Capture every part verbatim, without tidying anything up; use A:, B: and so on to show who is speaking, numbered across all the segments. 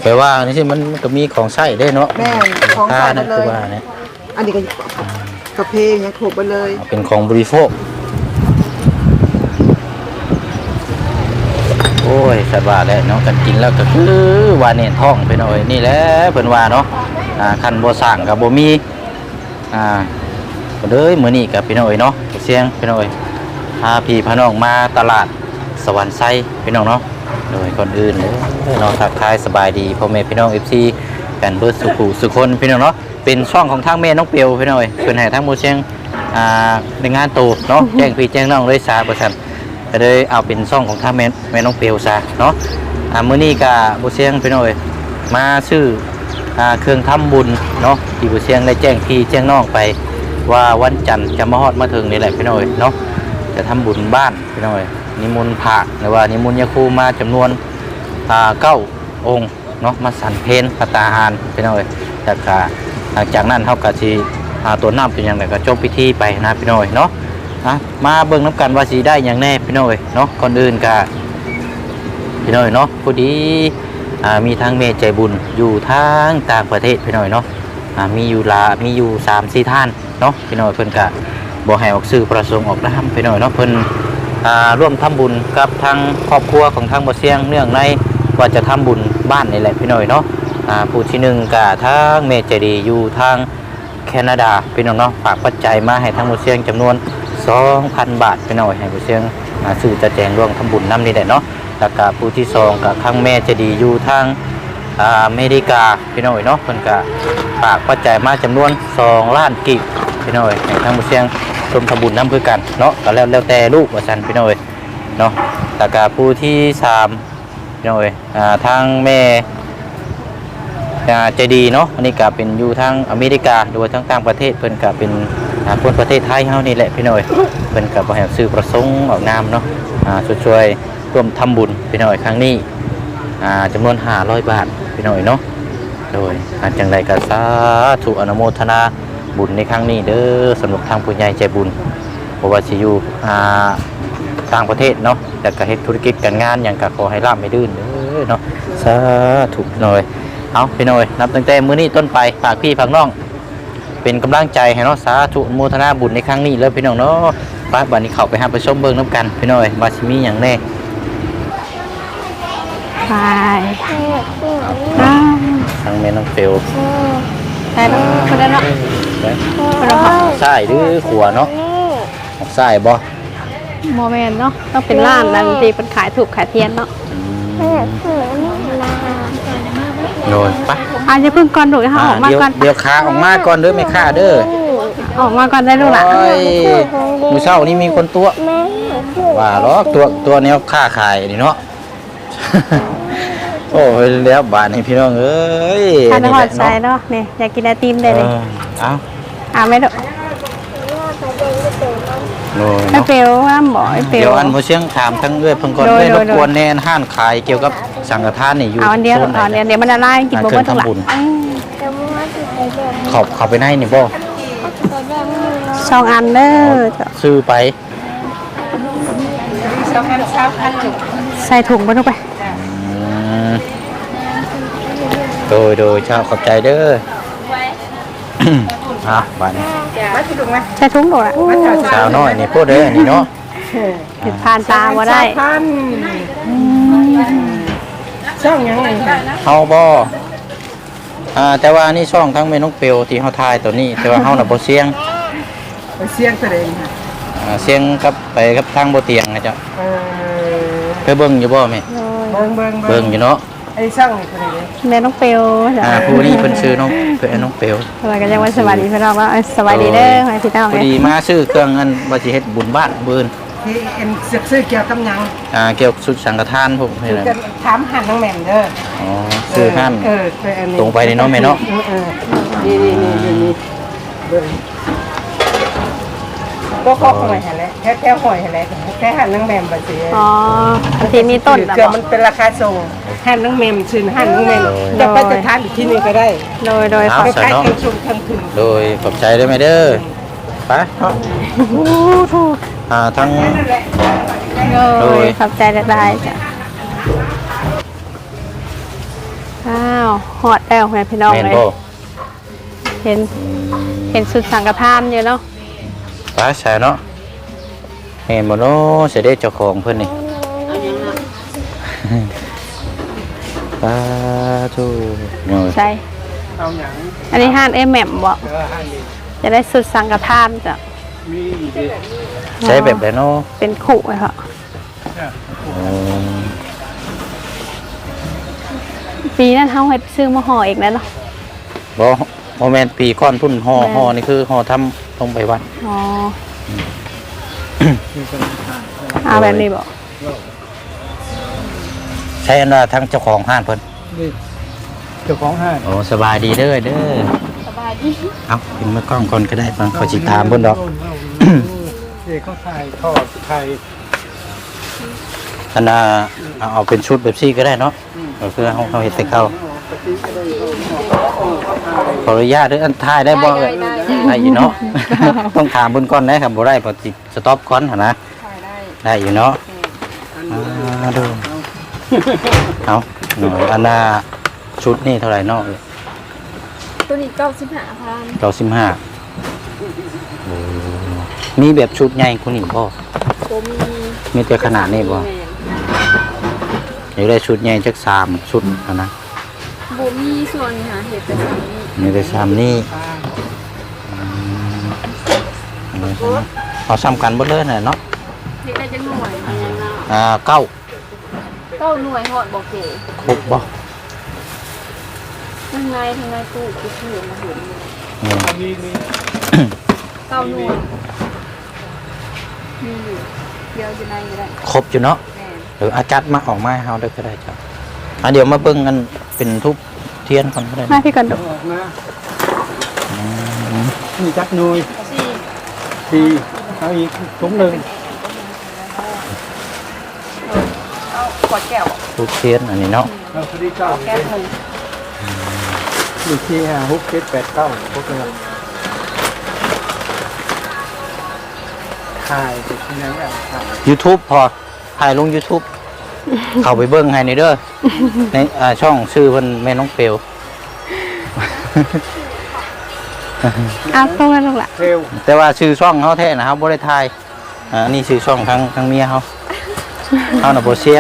A: ไปว่านี่สิมันก็มีของใช้ได้เนาะ
B: แม่ของใช้หมดเลย
A: คือว่าเนี่ย
B: อันนี้ก็กาแฟยังถูกไปเลย
A: เป็นของบริโภคโอ้ยสัตว์ว่าแล้วเนาะกันกินแล้วก็คือว่าเนี่ยท้องไปหน่อยนี่แหละเพิ่นว่าเนาะอ่าคันบ่สร้างก็บ่มีอ่าก็เลยมื้อนี้ก็พี่น้อยเนาะเสียงพี่น้อยพาพี่พาน้องมาตลาดสวรรค์ไซพี่น้องเนาะโดยก่อนอื่นเลยเนาะทักทายสบายดีพ่อแม่พี่น้อง เอฟ ซี กันเบิดสุขุสุคนพี่น้องเนาะเป็นช่องของทางแม่น้องเปียวพี่น้อยเพิ่นให้ทางหมู่เชียงอ่าในงานโตเนาะแจ้งพี่แจ้งน้องเลยซาบ่ซั่นก็เลยเอาเป็นช่องของทางแม่แม่น้องเปียวซะเนาะอ่ามื้อนี้ก็บ่เชียงพี่น้อยมาซื้ออ่าเครื่องทำบุญเนาะที่บ่เชียงได้แจ้งพี่แจ้งน้องไปว่าวันจันทร์จะมาฮอดมาถึงนี่แหละพี่น้อยเนาะจะทำบุญบ้านพี่น้อยนิมนต์พระหรือว่านิมนต์ยาคูมาจำนวนอ่าเก้าองค์เนาะมาสั่นเพลพระตาหารพี่น้อยแต่ก็หลังจากนั้นเฮาก็สิหาตัวน้ำเป็นหยังไงก็จบพิธีไปนะพี่น้อยเนาะอ่ะมาเบิ่งน้ำกันว่าสิได้หยังแน่พี่น้อยเนาะก่อนอื่นก็พี่น้อยเนาะพอดีอ่ามีทางเมใจบุญอยู่ทางต่างประเทศพี่น้อยเนาะอ่ามีอยู่ลามีอยู่ สามสี่ ท่านเนาะพี่น้อยเพิ่นก็บ่ให้ออกสื่อประสงค์ออกนามพี่น้อยเนาะเพิ่นอ่าร่วมทำบุญกับทางครอบครัวของทางบ่เสียงเนื่องในว่าจะทำบุญบ้านนี่แหละพี่น้อยเนาะอ่าผู้ที่หนึ่งก็ทางเมใจดีอยู่ทางแคนาดาพี่น้องเนาะฝากปัจจัยมาให้ทางบ่เสียงจำนวน สองพัน บาทพี่น้อยให้บ่เสียงอ่าซื้อจะแจงร่วมทำบุญนำนี่แหละเนาะแล้วก็ผู้ที่สองก็ทางแม่ใจดีอยู่ทางอ่าอเมริกาพี่น้อยเนาะเพิ่นก็ฝากปัจจัยมาจำนวนสองล้านกีบพี่น้อยให้ทางบ่เสียงร่วมทำบุญนำคือกันเนาะก็แล้วแล้วแต่ลูกว่าซั่นพี่น้อยเนาะแล้วก็ผู้ที่สามพี่น้อยอ่าทางแม่อ่าใจดีเนาะอันนี้ก็เป็นอยู่ทางอเมริกาหรือว่าทางต่างประเทศเพิ่นก็เป็นอ่าคนประเทศไทยเฮานี่แหละพี่น้อยเพิ่นก็บ่ให้ซื้อประสงค์ออกนามเนาะอ่าช่วยๆร่วมทำบุญพี่น้อยครั้งนี้อ่าจำนวนห้าร้อยบาทพี่น้อยเนาะโดยอาจังไดก็สาธุอนุโมทนาบุญในครั้งนี้เด้อสำหรับทางผู้ใหญ่ใจบุญเพราะว่าสิอยู่อ่าต่างประเทศเนาะแต่ก็เฮ็ดธุรกิจการงานหยังก็ขอให้ร่ำให้ลื่นเด้อเนาะสาธุพี่น้อยเอาพี่น้อยนับตั้งแต่มื้อนี้ต้นไปฝากพี่ฝากน้องเป็นกำลังใจให้เนาะสาธุอนุโมทนาบุญในครั้งนี้เลยพี่น้องเนาะไปบัดนี้เข้าไปหาไปชมเบิ่งนำกันพี่น้อยว่าสิมีหยังแน่
C: ไป
A: ทางแม่น้องเฟล
C: ไปแล้วคนละเนาะ
A: ใช่หรือขวเนาะใช่บ่
C: โมเมนต์เนาะต้องเป็นร้านนั้นที่เป็นขายถูกขายเทียนเนาะ
A: โดยไป
C: อาจจะพึ่งก่อนดูนะคะออกมา
A: เดี๋ยว
C: ก่อน
A: เดี๋ยวขาออกมาก่อนเด้อไม่ขาเด้อ
C: ออกมาก่อนได้ลูกหลาน
A: โอ้ยมื้อเช้านี้มีคนตัวว่าหรอกตัวตัวแนวค้าขายนี่เนาะ โอ้ยแล้วบาดนี้พี่น้องเอ้ย
C: ทานหอดใส่เนาะเนี่ยอยากกินไอติมได้เลย
A: เอ้า
C: อ่าไม่ดู
A: โดย
C: ไอเปลวว่าหมอไอเปล
A: เดี๋
C: ว
A: ยวอันบ่เชียงถามทั้งเอ้ยเพิ่นก่อน
C: โดย
A: ได้
C: โด
A: ร
C: ย
A: บกวนแน่ห้านขายเกี่ยวกับสังฆทานนี่อยู่
C: เอาอันเดียว
A: โซนไหน
C: เอาอันเดียวเดี๋ยวมันละลายกินบ่เบิ่งทั้งหลัง
A: ขอบเข้าไปในนี่บ่
C: สองอันเด้อ
A: ซื้อไป
C: ใส่ถุงไปลูกไป
A: อืมโดยโดยชาวขอบใจเด้อ อ่ะบ้านนี้
C: ใส่ถุงโดดอ่ะ
A: สาวน้อยนี่พูดเด้อนี่เนาะ
C: ผิดผ่านตาบ่ได้
B: พันช่องยังไงค่ะ
A: เฮาบ่อ่าแต่ว่านี่ช่องทั้งเมนกเปียวที่เฮาทายตัวนี้ แต่ว่าเฮาน่ะบ่เสียง
B: ไปเสียงแสดงค่ะ
A: อ่าเสียงกับไปกับทางบ่เตียงนะจ๊ะ
B: เออ
A: เคยเบิ่งอยู่บ่แม่
B: เบิ่งเบิ่ง
A: เบิ่งอยู่เนาะ
B: ไอ้ช่องนี่คนนี้
C: แม่น้องเปลว
A: อ่าผู้นี้เพิ่นชื่อน้องเพิ่นน้องเปียว
C: สวัสดีกันยังวันสวัสดีพี่น้องว่าสวัสดีเด้อมาพี่น้อง
A: พอดีมาซื้อเครื่องอันว่าสิเฮ็ดบุญบ้านมื้ออื่น
B: ที่เอ็นเสือกซื้อเกี่ยวกับหยัง
A: อ่าเกี่ยวกับสุดสังฆทานพวกนี้แหละ
B: จะถามหันน้องแหม่มเด้อ
A: อ๋อซื้อหั่น
B: เออเอออันนี้
A: ตรงไปนี่เนาะแม่เนาะ
B: เออเออนี่นี่นี่นี่นี่เบิ่งก็ก็หอยหันแหละแค่แค่หอยหันแหละแค่หันน้องแหม่มบ่สิ
C: อ๋อทีมีต้นนะ
B: เกื
C: บ
B: อ
C: อก
B: มันเป็นราคาส่งหันน้องแหม่มซื้อหันน้องแหม่มจะไปจะทานอีกที่นึงก็ได้
C: โดยโดย
A: เอา
C: ขอบ
A: ใส่
B: ใช้
A: เนาะ
B: ทั้งชุมทั้งถึง
A: โดยขอบใจด้วยไหมเด้อไปเนาะอ่าทั้ง
C: โดยขอบใจได้จ้ะอ้าวฮอดแล้วแม่พี่น้อง
A: แม่น
C: เลย
A: บ่
C: เห็นเห็นสุดสังฆทานอยู่เนาะ
A: ป้าใช่เนาะแม่นบ่เนาะสิได้เจ้าของเพิ่นนี่ป้าทูเนาะ
C: ใช่
B: เอาหยัง
C: อันนี้ห้านเอแหม่มบ่
B: เออให้ดิ
C: จะได้สุดสังฆทานจ้ะ
B: มีดิ
A: ใช้แบบใดเนาะ
C: เป็นขู่ไว้ค่ะ
A: อ๋อ
C: ปีนั้นเฮาเฮ็ดซื้อมาห่ออีกแล้วเนาะ
A: บ่บ่แม่นปีก่อนพุ่นห่อห่อนี่คือห่อทำลงไปวัด
C: อ๋อ
B: มีคนทาน
C: เอาแบบนี้บ่
A: ใช้อันว่าทั้งเจ้าของห้านเพิ่น
B: นี่เจ้าของห้าง
A: โอ้สบายดีเด้อเด้อสบายดีเอ้ากินมื้อกล้องก่อนก็ได้บางเขาสิถามเพิ่นดอก
B: เด็กเขาถ่ายทอดไทย
A: อันน่ะเอาเอาเป็นชุดแบบซี่ก็ได้เนาะก็คือเฮาเฮาเฮ็ดแต่เก่าขออนุญาตเด้ออันถ่ายได้บ่เอ่ยได้อยู่เนาะ ต้องถามเพิ่นก่อนนะครับบ่ได้เพอสิสต็อปก่อนหั่นนะได้อยู่เนาะอ่าดูเอาหน่อยอันน่ะชุดนี่เท่าไหร่เนาะ
D: ตัวนี้เก้าสิบห้าพัน
A: เก้าสิบห้าโอ้มีแบบชุดใหญ่คุณนี่บ่
D: ผมมี
A: มีแต่ขนาดนี้บ่
D: แมน
A: อยากได้ชุดใหญ่จักสามชุดอะนะ
D: บ่มีส่วนหาเห็ดแต่สามนี้
A: มีแต่สามนี่อืมเอาซ้ำกันเบ่เลยน่ะเนาะ
D: เห็ดได้จังหน่วยแมนนะ
A: อ่าเก้า
D: เก้าหน่วยหอดบอกเก๋
A: ครบบ่
D: ทั้งในทั้งในตู้กูเห็นมาเห็นเลย
A: อืม
B: มีมี
D: เก้าหน่วยมีอยู่เดียวจะในก็ได้
A: ครบอยู่เนาะ
D: แมน
A: หรืออาจัดมาออกมาให้เฮาได้ก็ได้จ้ะอ่ะเดี๋ยวมาเบิ่งกันเป็นทุบเทียนก่อนก็ได้
C: มา
A: นะ
C: พี่ก่อนดู
B: ออกมามีจักหน่วย
D: สี่
B: สี่เอาอีกถุงหนึ่ง
D: เอาขวดแก้ว
A: ทุบเทียนอันนี้เนาะ
B: เอาพอดีเก้า
D: แก้วหนึ่ง
B: มีที่ห้าหกเจ็ดแปดเก้าพวกนี้ถ่ายไปที่ไหนอ่ะถ่าย
A: YouTube พอถ่ายลง YouTube เข้าไปเบิ่งให้นี่เด้อในอ่าช่องชื่อเพิ่นแม่น้องเปลว
C: เอาตรงนั้นลงละ
B: เร็ว
A: แต่ว่าชื่อช่องเฮาแท้นะครับบ่ได้ถ่ายอ่าอันนี้ชื่อช่องทางทางเมียเฮาเฮาน่ะบ่เสียง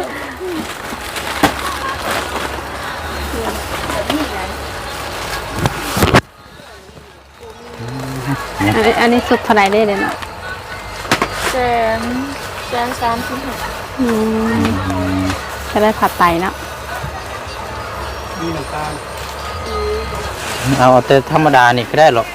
C: อันนี้อันนี้สุดเท่าไหร่ได้เดี๋ยวเนาะ
D: แสนแสนสามสิบหก
C: อืมจะได้ผัดไตเนาะ
B: มีน้ำตาล
A: เอาแต่ธรรมดานี่ก็ได้หรอก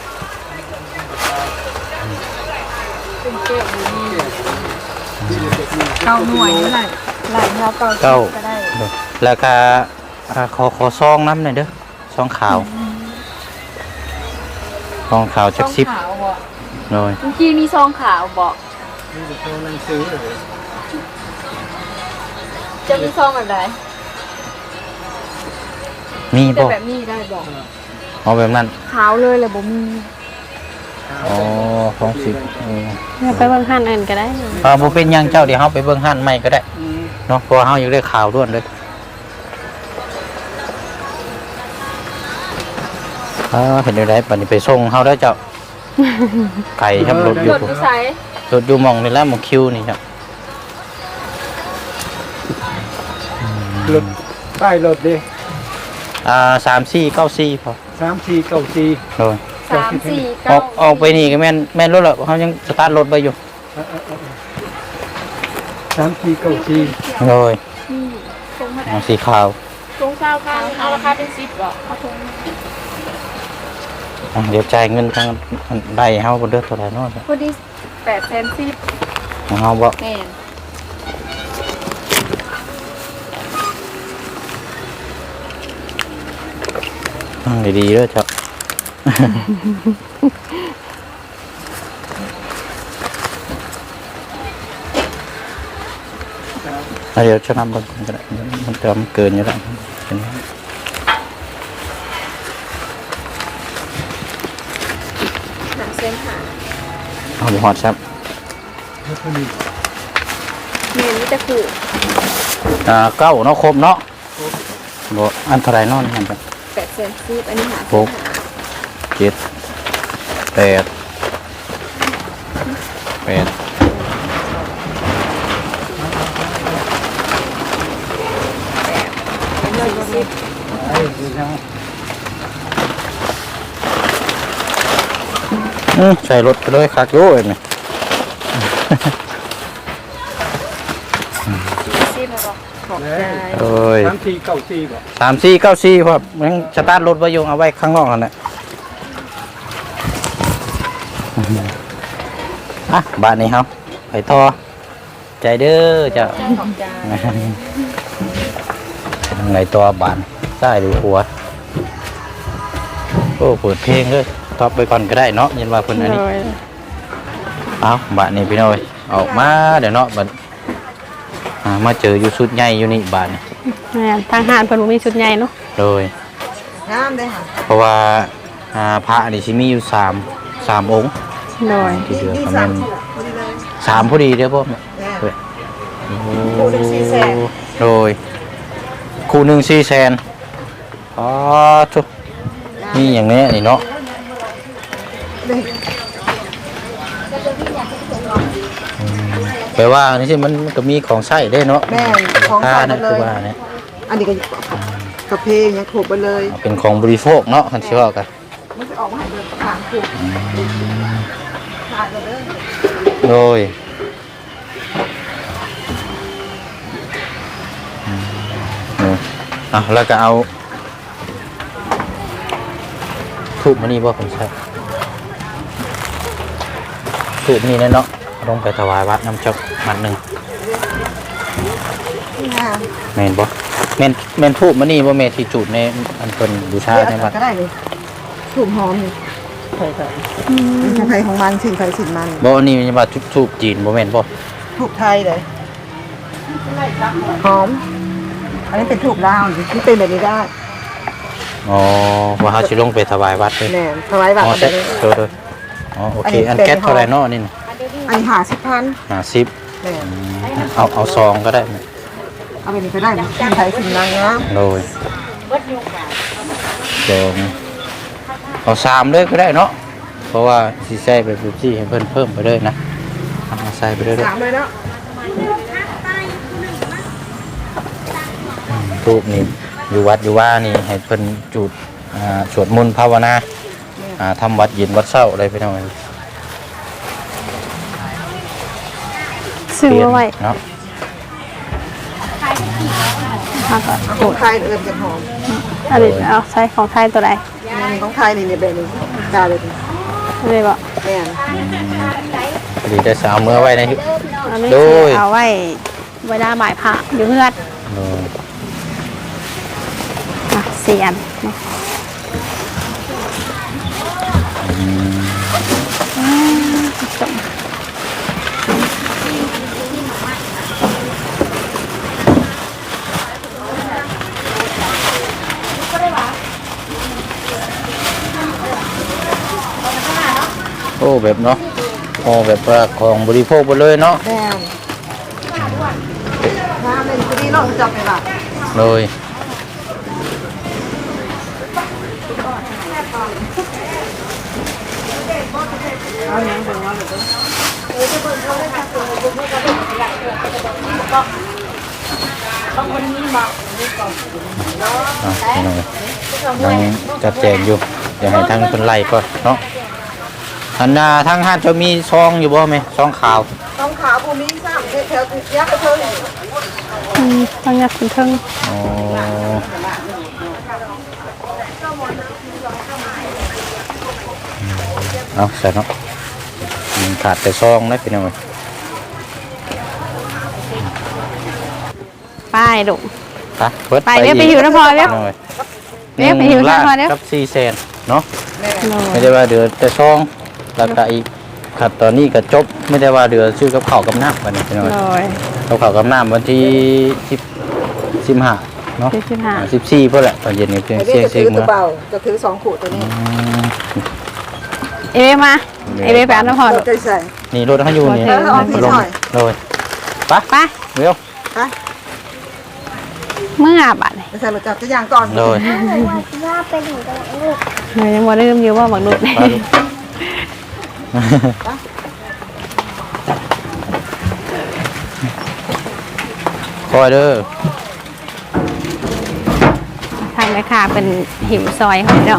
D: เป็นเก้วอยู่นี่เก้าหน่วยนี่แหละหลายเท่าเก้า
A: เก้า
D: ก็ได้
A: แล้วก็อ่าขอขอซองน้ำหน่อยเด้อซองขาวซองขาว
D: ซ
A: จัก
D: อง
A: สิบ
D: ขาวบ่
A: หน่อย
D: เมื่อกี้มีซองขาวบอก
B: นี่จะโทรหนังสือเลย
D: จะมีซองแบบไหน
A: มี
D: แต่
A: บ่
D: แบบนี้ได้บอก
A: เอาแบบนั้น
D: ขาวเลยเลยบ่มี
A: อ๋อของสิบเออ
C: เราไปเบิ่งห้านอื่นก็ได้
A: อ่าบ่เป็นหยังเจ้าเดี๋ยวเฮาไปเบิ่งห้านใหม่ก็ได้
B: อืม
A: เนาะเพราะว่าเฮาอยากได้ข่าวด้วนเลยอ่าเห็นอยู่ได้บัดนี้ไปส่งเฮาได้อเจ้า ไก่ครับรถอยู่
D: รถอยู่ไส
A: รถอยู่หมองนี่แหละหมองคิวนี่ครับ
B: รถป้ายรถดิ
A: อ่าสามสี่เก้าสี่พอ
B: สามสี่เก้าสี่
A: โดย
D: สามสี่
A: อ
D: เก้า
A: อกออกไปนี่ก็แม่นแม่นรถแล้วเขายังสตาร์ทรถไปอยู่
B: สามสี่เก้าสี่
A: โดย
D: นี่ตรงมา
A: เอาสีขาว
D: ตรงเก้าพันเอาราคาเป็นสิบบอกเอาตรง
A: อ่ะเดี๋ยวจ่ายเงินทางได้เฮาบ่เด้อเท่าไหร่เนาะ
D: พอดีแปดแสนสิบ
A: ของเฮาบ่
D: แม่น
A: ตั้งดีๆเด้อเจ้า อ่ะเดี๋ยวจะนำเบิ่งก่อนก็ได้มันจะมันเกินอยู่แล้วเป็น
D: หาเซนหา
A: เอาบ่ฮอดครับ
B: แล้วก็มี
D: แม่นนี่จะขู่
A: อ่าเก้าเนาะครบเนาะบ่อันเท่าไหร่เนอนนั่นครับ
D: แปดเซนซีอันนี้หา
A: หกเจ็ดแปดแปดอืมใส่รถไปเลยคักโย่เองนี่
D: ซีมาบอกขอบใจ
A: โอ้ย
B: สามสี่เก้าสี่บ่
A: สามสี่เก้าสี่ครับยังสตาร์ทรถไว้อยู่เอาไว้ข้างนอกนั่นแหละอ่ะบ้านนี้เฮาไปทอใจเด้อเจ้า
D: ขอบใจ
A: ทางไหนตัวบ้านซ้ายหรือขวาโอ้เปิดเพลงเลยท็อปไปก่อนก็ได้เนาะยันว่าเพิ่นอันนี้
C: โดย
A: เอาบ้านนี้พี่น้อยออกมาเดี๋ยวเนาะบัดอ่ามาเจออยู่สุดใหญ่อยู่นี่บ้านนี้
C: แม่นทางหารเพิ่นบ่มีชุดใหญ่เนาะ
A: โดย
D: งามเลยค่ะ
A: เพราะว่าอ่าพระนี่สิมีอยู่สามสามองค์
C: โดย
A: ที่เหลือก็แม่นสามพอดีเด้อพ่อแม่เว้ยโอ้โดยคู่หนึ่งสี่แสนอ๋อทุกนี่อย่างนี้นี่เนาะอืมแปลว่านี่สิมันมันก็มีของใช้ได้เนาะ
E: แม่นของใช้
A: นะ
E: หมดเลย
A: คือว่าเนี่ย
E: อันนี้ก็กระเพงยังถูกไปเลย
A: เป็นของบริโภคเนาะคันสิว่ากัน
E: มันจะออกมาให้เดินทางถูกทางกันเลย
A: โดยอืมอ่ะแล้วก็เอาทูบมานี่บ่ผมใช่ทูบนี่แน่เนาะลงไปถวายวัดน้ำจอกมัดหนึ่ง
E: งาม
A: แม่นบ่แม่นแม่นทูบมานี่บ่แม่นที่จุดในอันเพิ่นบูชา
E: เลือก
A: ในวัด
E: ก็ได้เลยถูกหอมนี่ใช่ใช่ของใครของมันสิ่งใครสิ่งมัน
A: บ่อันนี้มันว่าจุดทูบจีนบ่แม่นบ่
E: ถูกไทยเลยหอม อันนี้เป็นถูกลาวนี่เป็นแบบนี้ได้
A: อ๋อว่าเฮาสิลงไปถวายวัดเลย
E: แน่ถวายบัต
A: อ๋อ
E: ร
A: ใช่
E: เลย
A: เออๆอ๋อโอเคอันแก๊สเท่าไหร่เนาะนี่น่ะ
E: อันนี้หาสิบพัน
A: ห้าสิบ
E: แน่
A: เอาเอาซองก็ได้ไหม
E: เอาไปนี่ก็ได้สิ่งใครสิ่งมันนะ
A: โดยซองเอาสามเลยก็ได้เนาะเพราะว่าสิใส่ไปปุ๊บซี่ให้เพิ่นเพิ่มไปเลยนะเอาใส่ไปเรื่อย
E: สามเลยเนาะ
A: ๆรูปนี่อยู่วัดอยู่ว่านี่ให้เพิ่นจุดอ่าสวดมนต์ภาวนาอ่าทำวัดเย็นวัดเช้าอะไรไปหน่อย
C: ซื้อเอาไว้
A: เนาะ
C: มาก่อน
E: ของไทยเอิญจะหอม
C: อันนี้เอาใช้ของไทยตัวใด
E: ของไทยนี่เนี่ยแบบนี้กาเลย
C: อันนี้บ่
E: แม่น
A: พอดีจะสาวเมื่อไว้ในที่
C: อันนี้
A: โด
C: คื
A: ย
C: อเอาไว้เวลาหมายพระอยู่เฮือด
A: โดย
C: อ่ะเสียนเนาะ
A: อืม
C: จบ
A: โอ้แบบเนาะโอ้แบบว่าของบริโภคหมดเลยเนาะ
E: แม่นน้ำเลยพอดีเราจับไปละ
A: เลย อ่ะนี่น้องยังจัดแจงอยู่เดี๋ยวให้ทางคนไล่ก่อนเนาะอันน่ะทางห้านจะมีซองอยู่บ่ไหมซองขาว
E: ต้องขาวภูมิสามแถวๆยักษ์กระเทิง
C: อืมต้องยัดถึงเทิง
A: อ๋อเอาใส่เนาะอืมขาดแต่ซองนะพี่น้อง
C: ป้ายดุ
A: ไปเปิด
C: ไปเดี๋ยวไปอยู่นะพอเดี๋ยว
A: หน่อย
C: เดี๋ยวไปอยู่นะพอเดี๋ยว
A: กับสี่แสนเนาะ
C: โด
A: ไม่
C: ย
A: ได้ว่าเดือแต่ซองราคาอีกขัดตอนนี้ก็จบไม่ได้ว่าเดือซื้อกับข้าวกับน้ำวันนี้พี่น้อง
C: โดย
A: กับข้าวกับน้ำวันที่สิบสิบห้าเนาะ
C: ที่สิบห้า
A: สิบสี่เพื่อแหละตอนเย็นนี้เพียง
E: ไอ้
A: เสี
E: นี่
A: ยง
E: จะ
A: เสีย
E: ถื
A: ง
E: อ
A: เมื่
E: ตัว
A: อ
E: เบาจะถือสองขวดตัวนี้
A: อืม
C: เอเวมาเอเวไปเอาน้ำพอ
E: เรา
C: ดุ
E: ใจใส่
A: นี่รถเขาอยู่นี่
C: เออเอาพี่
A: ลง
E: หน่อย
A: เลยไป
C: ไป
A: เร็ว
E: ไป
C: เมื่อบัดนี่
E: ไปใส่รถจักรยานก่อน
A: โดย
D: ว่าไปถึงกำลังลูก
C: เฮ้ยยังบ่ลืมอยู่ว่าบักนุดนี่
A: ไปลูกคอยเด้อ
C: ทางแม่ค้าเป็นหิวซอยเขาพี่น้อง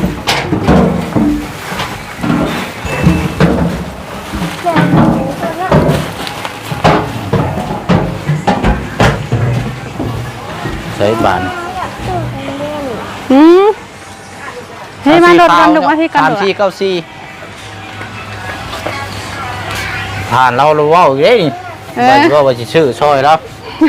A: ใส่บาน
C: อืมเฮ้ยมาโดดกันดูมาที่กัน
A: สาม
C: ดู
A: สี่เก้าสี่ผ่านเราเราเว่าอีกเด้นี่
C: เอ
A: ไป
C: อ
A: ก็ว่าจะชื่อซอยแล้ว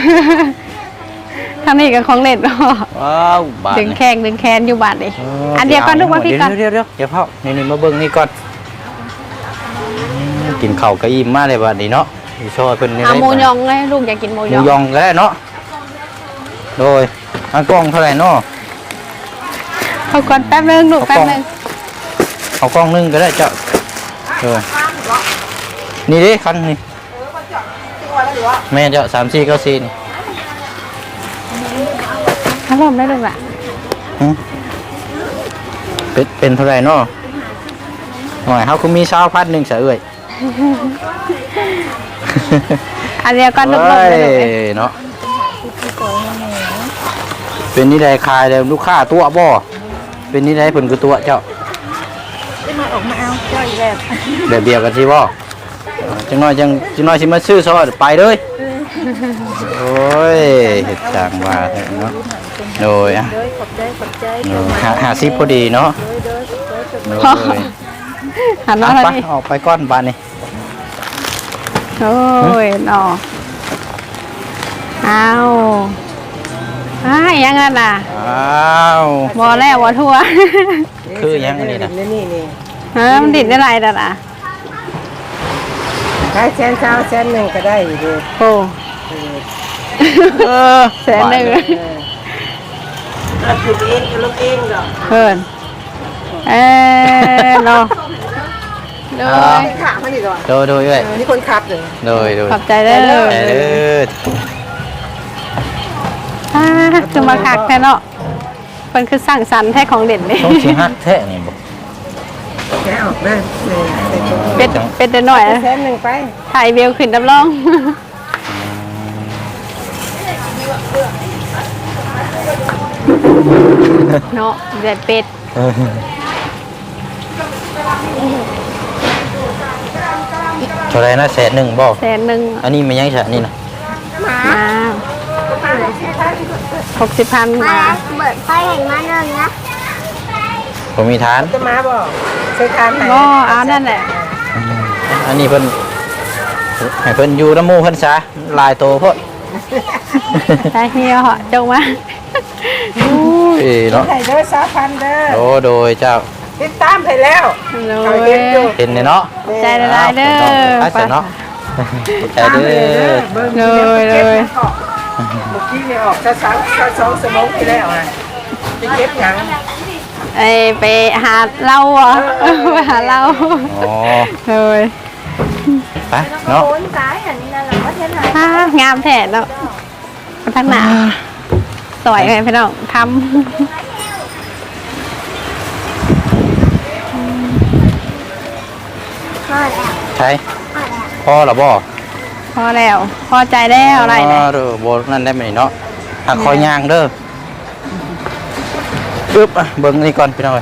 C: ทางนี้กับของเล่นเนาะ
A: ว้าวบาท
C: ดึง
A: นี่
C: แข้งดึงแขนอยู่บาดนี่อันเดียวกันลูกมาพี่กัน
A: เดี๋ยวเดี๋ยวเดี๋ยวเดี๋ยวพ่อนี่นี่มาเบิ่งนี่ก่อนอืมกินข้าวก็อิ่มมากเลยบาดนี้เนาะอยู่ซอยเพิ่นนี่
C: เอา
A: ได้
C: หมูยองไงลูกอยากกินหมู
A: ห
C: ย
A: มู
C: อง
A: ยองก็ได้เนาะโดยอันกล้องเท่าไหร่เนาะ
C: เขาก่อนแป๊บนึงลูกแป๊บนึง
A: เอากล้องหนึงก็ได้เจ้าเออนี่ดิคันนี่แม่เจ้าสามสี่เก้าสี่นี่
C: ถ้าลมได้ลูกอ่ะ
A: หึเป็นเป็นเท่าไหร่เนาะหน่อยเขาก็มีเช้าพัดหนึ่งเสือเอ่ย
C: อันเดียวกันลูกลม
A: เฮ้
C: ได้ลูก
A: ยเนาะเป็นนี่ได้คายเลยลูกค้าตัวบ่เป็นนี่ได้ผลคือตัวเจ้า
E: ได้มาออกมาเอาเจ้าอีกแล้ว
A: แบบเดียวกันสิบ่จังน้อยจังจังน้อยสิมาซื้อซอไปเลยโอ้ยเห็ดจางว่าแท้เนาะโดยอ่ะ
E: เด้อขอบใจขอบใจ
A: โดยหาหาซิปพอดีเนาะ
E: เด้อเด้อเด้อ
A: โดย
C: หันมา
A: อ่ะ
C: แล้ว
A: ไป
C: นี่
A: ออกไปก้อนบานนี่
C: โอ้ยหนอเอาอ้ายยังไงล่ะ
A: อ้าว
C: บอแล้วบอทั่ว
A: คือยังอันนี้นะ
B: นี่นี่นี่
C: ฮะมันดิดได้ไรล่ะล่ะ
B: ขายแสนเช้าแสนหนึ่งก็ได้อยู่ดี
C: โอ้
A: เออ
C: แสนหนึ่ง
B: เราถูกเองก็ลูกเองดอก
C: เพิ่นเออเนาะโดย
E: ขามันอีกแล้ว
A: โดยโดยเอ้ย
E: นี่คนขับเลย
A: โดยโดย
C: ขอบใจเด้อ
A: แต่เด้อ
C: อ่าคือมาคักแท้เนาะเพิ่นคือสร้างสรรค์แท้ของเด่นนี่
A: ต้องสิฮักแท้นี่บ่
E: แกะออกเลยเลย
C: เป็ดเป็ดหน่อย
B: แสนหนึ่งไป
C: ถ่ายเบลขึ้นดับรองเนาะเด็ดเป็ด
A: เออเท่าไหรนะแสนหนึ่งบ่
C: แสนหนึ่ง
A: อันนี้มันยังฉะนี่นะ
C: มาหกสิบพัน
D: มา
C: มา
D: เบิดไฟเห็นมาหนึ่งนะ
A: ผมมีทาน
B: จะมาบอกใช้ทานไหน
C: ก็เอานั่นแหละ
A: อันนี้เพิ่นให้เพิ่นอยู่น้ำหมูเพิ่นซะลายโตเพิ่น
C: ใช่เฮียเหาะจงมา
A: อุ้ยเนาะ
B: ไข่เด้อสามพันเด้อ
A: โอ้โดยเจ้า
B: ติดตามไปแล้ว
C: โด
B: เขา
C: ย
B: เห็นอยู่
A: เห็นเนี่ยเนาะ
C: ใจละลายเด้อ
A: ไปเสร็จเนาะใจเด้อ
C: เลยเลย
B: เมื่อกี้เนี่ยออกจะสามจะสองสมองไปแล้วอ่ะจะเก็บหยัง
C: ไอไปหาเหล้าอ่ะไปหาเหล้า
A: อ๋อ
C: เลย
A: ไปเนาะ
D: โอนซ้ายอันนี้นั่นแหละว่าเท่าไหร่
C: อ่างามแท้เนาะมาทั้งหนาสวยไงพี่น้องท
D: พอแล้ว
A: ใช่
D: พอแล้ว
A: พ่อหรอบ่
C: ำพอแล้ว พอใจแล้วอะไร
A: อ๋
C: เนี่
A: อย เด้อบ่นั่นได้ไหมเนาะหักคอยย่างเด้ออึ๊บอ่ะเบิ่งนี่ก่อนพี่น้องเอ้ย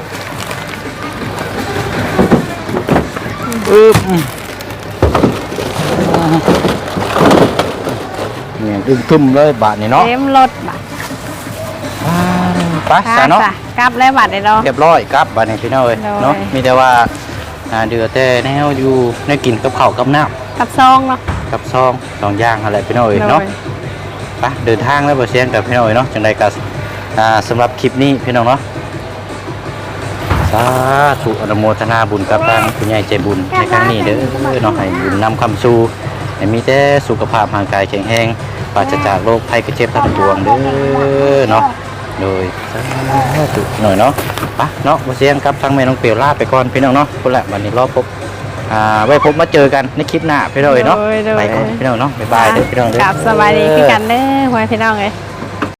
A: อึ๊บเนี่ยดึงทุ่มเลยบาทนี่เนาะ
C: เต็มรถบัตร
A: ไปซะเนาะ
C: กลับแล้วบัตรเลยเนาะ
A: เรียบร้อยครับบาทนี่พี่น้องเอ้ย
C: โดย
A: เนาะมีแต่ว่าอ่าเดือแต่แนวอยู่ในกินกับข้าวกับน้ำ
C: กับซองเนาะ
A: กับซองสองอย่างอะไรพี่น้องเอ้ยเนาะ
C: โดย
A: ไปเดินทางแล้วบ่เสียงกับพี่น้องเอ้ยเนาะจังไดก็อ่าสำหรับคลิปนี้พี่น้องเนาะสาธุอนุโมทนาบุญกับทางผู้ใหญ่ใจบุญในครั้งนี้เด้อเนาะให้บุญนำคำสู่ให้มีแต่สุขภาพร่างกายแข็งแรงปราศจากโรคภัยไข้เจ็บทั้งปวงเด้อเนาะโดยสาธุหน่อยเนาะไปเนาะบ่เสียงกับทางแม่น้องเปียวลาไปก่อนพี่น้องเนาะพุ่นแหละวันนี้รอพบอ่าไว้พบมาเจอกันในคลิปหน้าพี่น้องเอ้ยเนาะ
C: โดยโดย
A: ไปก่อนพี่น้องเนาะบ๊ายบายเด้อพี่น้องเด้อ
C: กลับสบายดีคือกันเด้อพ่อแม่พี่น้องเลย